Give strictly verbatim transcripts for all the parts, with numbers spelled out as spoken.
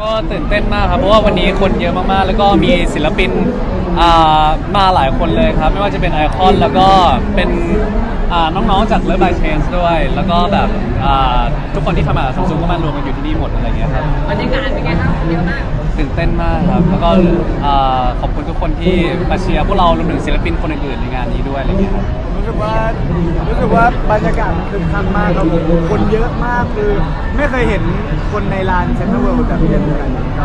ก็ตื่นเต้นมากครับเพราะว่าวันนี้คนเยอะมากๆแล้วก็มีศิลปินมาหลายคนเลยครับไม่ว่าจะเป็นไอคอนแล้วก็เป็นน้องๆจากเลิฟบายเชนส์ด้วยแล้วก็แบบทุกคนที่ทำงานซัมซุงก็มารวมกันอยู่ที่นี่หมดอะไรเงี้ยครับบรรยากาศเป็นไงครับเยอะมากตื่นเต้นมากครับแล้วก็ขอบคุณทุกคนที่มาเชียร์พวกเรารวมถึงศิลปินคนอื่นๆในงานนี้ด้วยอะไรเงี้ยครับรู้สึกว่ารู้สึกว่าบรรยากาศคึกคักมากครับผมคนเยอะมากคือไม่เคยเห็นคนในลานเซ็นทรัลเวิลด์แบบเยอะขนาดนี้ก็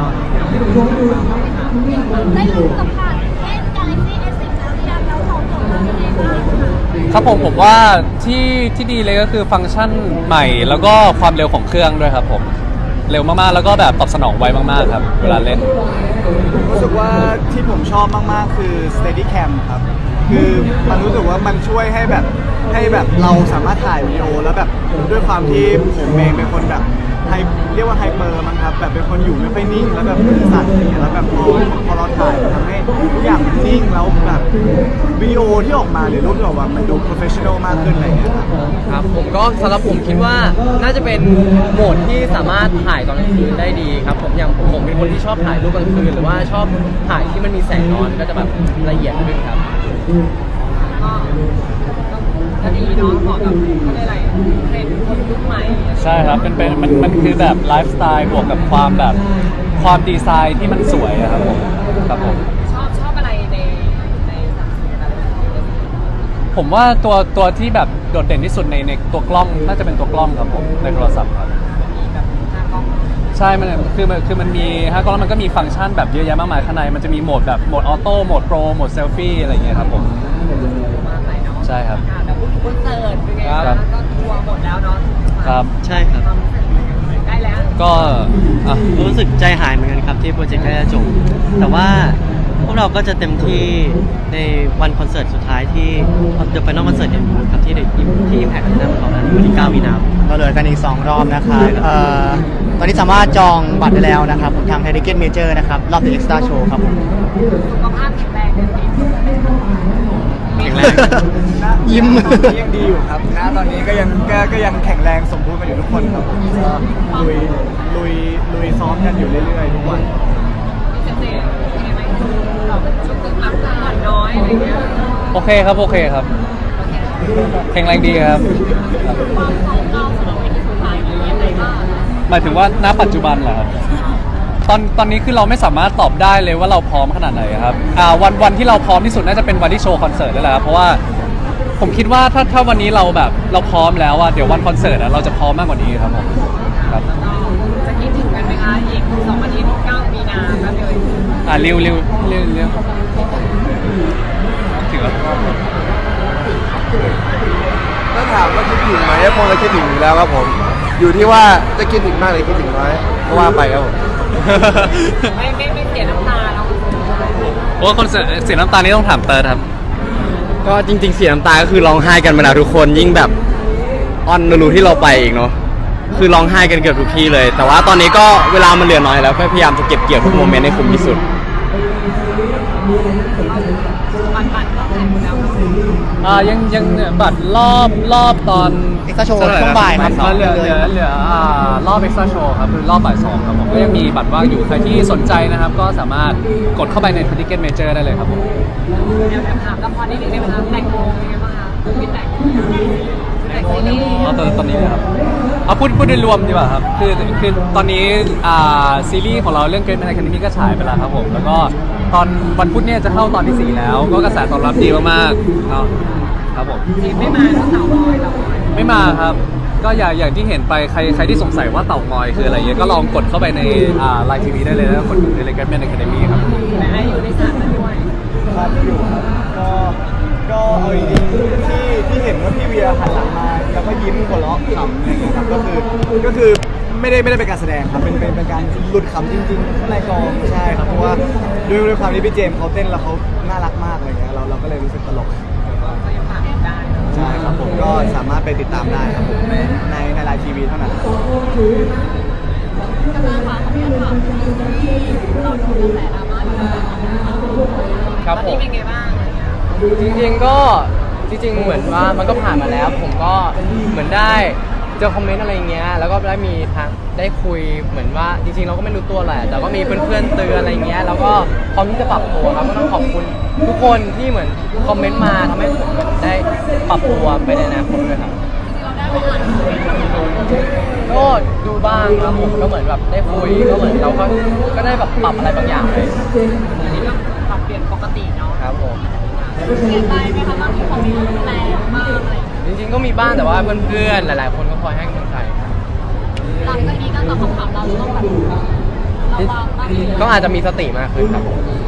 ได้ลงกับผ่านเล่น Galaxy เอส สิบ แล้วหรือยังแล้วของจบมาเป็นไงบ้างคะครับผมผมว่าที่ที่ดีเลยก็คือฟังก์ชันใหม่แล้วก็ความเร็วของเครื่องด้วยครับผมเร็วมากๆแล้วก็แบบตอบสนองไวมากๆครับเวลาเล่นรู้สึกว่าที่ผมชอบมากๆคือ Steadicam ครับคือมันรู้สึกว่ามันช่วยให้แบบให้แบบเราสามารถถ่ายวิดีโอแล้วแบบด้วยความที่ผมเองเป็นคนแบบไฮเรียกว่าไฮเปอร์มั้งครับแบบเป็นคนอยู่ไม่ค่อยนิ่งแล้วแบบมือสั่นอย่างเงี้ยแล้วแบบพอพอเราถ่ายมันทำให้ทุกอย่างมันนิ่งแล้วแบบวิดีโอที่ออกมาหรือรูปที่ออกมามันดูโปรเฟชชั่นอลมากขึ้นอะไรอย่างเงี้ยครับครับผมก็สำหรับผมคิดว่าน่าจะเป็นโหมดที่สามารถถ่ายตอนกลางคืนได้ดีครับผมอย่างผมผมเป็นคนที่ชอบถ่ายรูปกลางคืนหรือว่าชอบถ่ายที่มันมีแสงนอนก็จะแบบละเอียดขึ้นครับก็ก็ดีเนาะเหมาะกับอะไรเทรนด์คนยุคใหม่ใช่ครับเป็นเป็นมันมันคือแบบไลฟ์สไตล์บวกกับความแบบความดีไซน์ที่มันสวยครับผมครับผมชอบชอบอะไรในในสังคมแบบผมว่าตัวตัวที่แบบโดดเด่นที่สุดในในตัวกล้องน่าจะเป็นตัวกล้องครับผมในโทรศัพท์ครับมีแบบห้ากล้องใช่มันคือมันคือมันมีห้ากล้องมันก็มีฟังก์ชันแบบเยอะแยะมากมายข้างในมันจะมีโหมดแบบโหมดออโต้โหมดโปรโหมดเซลฟี่อะไรอย่างเงี้ยครับผมใช่ครับแต่พูดถึงคอนเสิร์ตเป็นไงบ้างก็ทัวร์หมดแล้วเนาะครับใช่ครับได้แล้วก็รู้สึกใจหายเหมือนกันครับที่โปรเจกต์ใกล้จะจบแต่ว่าพวกเราก็จะเต็มที่ในวันคอนเสิร์ตสุดท้ายที่ The Final Concert เนี่ยครับที่ที่ Impact Arena ของเราวันที่เก้ามีนาคมก็เหลือกันอีกสองรอบนะครับเอ่อตอนนี้สามารถจองบัตรได้แล้วนะครับทาง Ticket Major นะครับรอบ The Extra Show ครับผมสุขภาพแข็งแรงกันดีแข็งแรงยิ้มยังดีอยู่ครับนะตอนนี้ก็ยังก็ก็ยังแข็งแรงสมบูรณ์กันอยู่ทุกคนครับก็ลุยลุยลุยซ้อมกันอยู่เรื่อยๆทุกวันมีเจเจเป็นไงไหมเราช่วงตึกพักผ่อนน้อยอะไรเงี้ยโอเคครับโอเคครับแข็งแรงดีครับความของเราสำหรับวิธีสุดท้ายเป็นยังไงบ้างหมายถึงว่าณปัจจุบันเหรอครับตอนตอนนี้คือเราไม่สามารถตอบได้เลยว่าเราพร้อมขนาดไหนครับอ่าวันวันที่เราพร้อมที่สุดน่าจะเป็นวันที่โชว์คอนเสิร์ตนั่นแหละครับเพราะว่าผมคิดว่าถ้าถ้าวันนี้เราแบบเราพร้อมแล้วอะเดี๋ยววันคอนเสิร์ตอะเราจะพร้อมมากกว่านี้ครับผมครับจะคิดถึงกันไหมคะอีกสองอาทิตย์เก้ามีนาครับเลยอ่าเร็วเร็วเร็วเร็วถึงแล้วถ้าถามว่าคิดถึงไหมคงจะคิดถึงอยู่แล้วครับผมอยู่ที่ว่าจะคิดถึงมากหรือคิดถึงน้อยก็ว่าไปครับผมไม่ไม่ไม่เสียน้ำตาแล้วโอ้คนเสียน้ำตานี้ต้องถามเติร์ดครับก็จริงๆเสียน้ำตาก็คือร้องไห้กันมาแล้วทุกคนยิ่งแบบออนนูรูที่เราไปอีกเนาะคือร้องไห้กันเกือบทุกที่เลยแต่ว่าตอนนี้ก็เวลามันเหลือน้อยแล้วก็พยายามจะเก็บเกี่ยวทุกโมเมนต์ให้คุ้มที่สุดบัตรบัตรรอบไหนหมดแล้วอ่ายังยังบัตรรอบรอบตอนเอ็กซ์โชว์ช่วงบ่ายครับเหลือเหลือเหลืออ่ารอบเอ็กซ์โชว์ครับคือรอบบ่ายสองครับผมก็ยังมีบัตรว่างอยู่ใครที่สนใจนะครับก็สามารถกดเข้าไปใน Ticket Major ได้เลยครับผมเดี๋ยวถามละครนิดนึงได้ไหมคะแต่งโมเป็นไงบ้างคะพี่แต่งแต่งซีรีส์อ๋อตอนตอนนี้นะครับเอาพูดพูดโดยรวมดีกว่าครับคือคือตอนนี้อ่าซีรีส์ของเราเรื่อง Great Man Academy ก็ฉายไปแล้วครับผมแล้วก็ตอนวันพุธเนี่ยจะเข้าตอนที่สี่แล้วก็กระแสตอบรับดีมากๆเนาะครับผมจีบไม่มาแล้วเต่างอยเต่างอยไม่มาครับก็อย่างอย่างที่เห็นไปใครใครที่สงสัยว่าเต่างอยคืออะไรเงี้ยก็ลองกดเข้าไปในอ่าไลน์ทีวีได้เลยแล้วกดใน Great Man Academy ครับแต่ให้อยู่ในสถานนั้นด้วยครับอยู่ครับก็ก็เอาจริงๆที่ที่เห็นว่าพี่เวียหันหลังมาแล้วก็ยิ้มหัวเราะขำอะไรอย่างเงี้ยครับก็คือก็คือไม่ได้ไม่ได้เป็นการแสดงครับเป็นเป็นเป็นการหลุดขำจริงๆข้างในกองใช่ครับเพราะว่าด้วยด้วยความที่พี่เจมส์เขาเต้นแล้วเขาน่ารักมากอะไรเงี้ยเราเราก็เลยรู้สึกตลกก็ยังผ่านได้ใช่ครับผมก็สามารถไปติดตามได้ครับผมในในในไลน์ทีวีเท่านั้นกำลังฝากพี่อันฝากที่เราดูกระแสดราม่าอยู่ครับผมเป็นไงบ้างจริงๆก็จริงๆเหมือนว่ามันก็ผ่านมาแล้วผมก็เหมือนได้เจอคอมเมนต์อะไรเงี้ยแล้วก็ได้มีทางได้คุยเหมือนว่าจริงๆเราก็ไม่รู้ตัวแหละแต่ก็มีเพื่อนๆเตือนอะไรเงี้ยแล้วก็พร้อมที่จะปรับตัวครับก็ต้องขอบคุณทุกคนที่เหมือนคอมเมนต์มาทำให้ผมเหมือนได้ปรับตัวไปในอนาคตด้วยครับเราได้ไปอ่านคอมเมนต์ก็ดูบ้างครับผมก็เหมือนแบบได้คุยก็เหมือนเราก็ก็ได้แบบปรับอะไรบางอย่างเลยอันนี้ก็ปรับเปลี่ยนปกติเนาะครับผมเสียใจไหมคะบางทีคอมเมนต์แรงมากอะไรอย่างเงี้ยจริงๆก็มีบ้างแต่ว่าเพื่อนๆหลาย ๆ คนก็คอยให้กำลังใจครับหลังจากนี้การตอบคำถามเราจะต้องแบบระวังมากขึ้นก็อาจจะมีสติมากขึ้นครับผมเ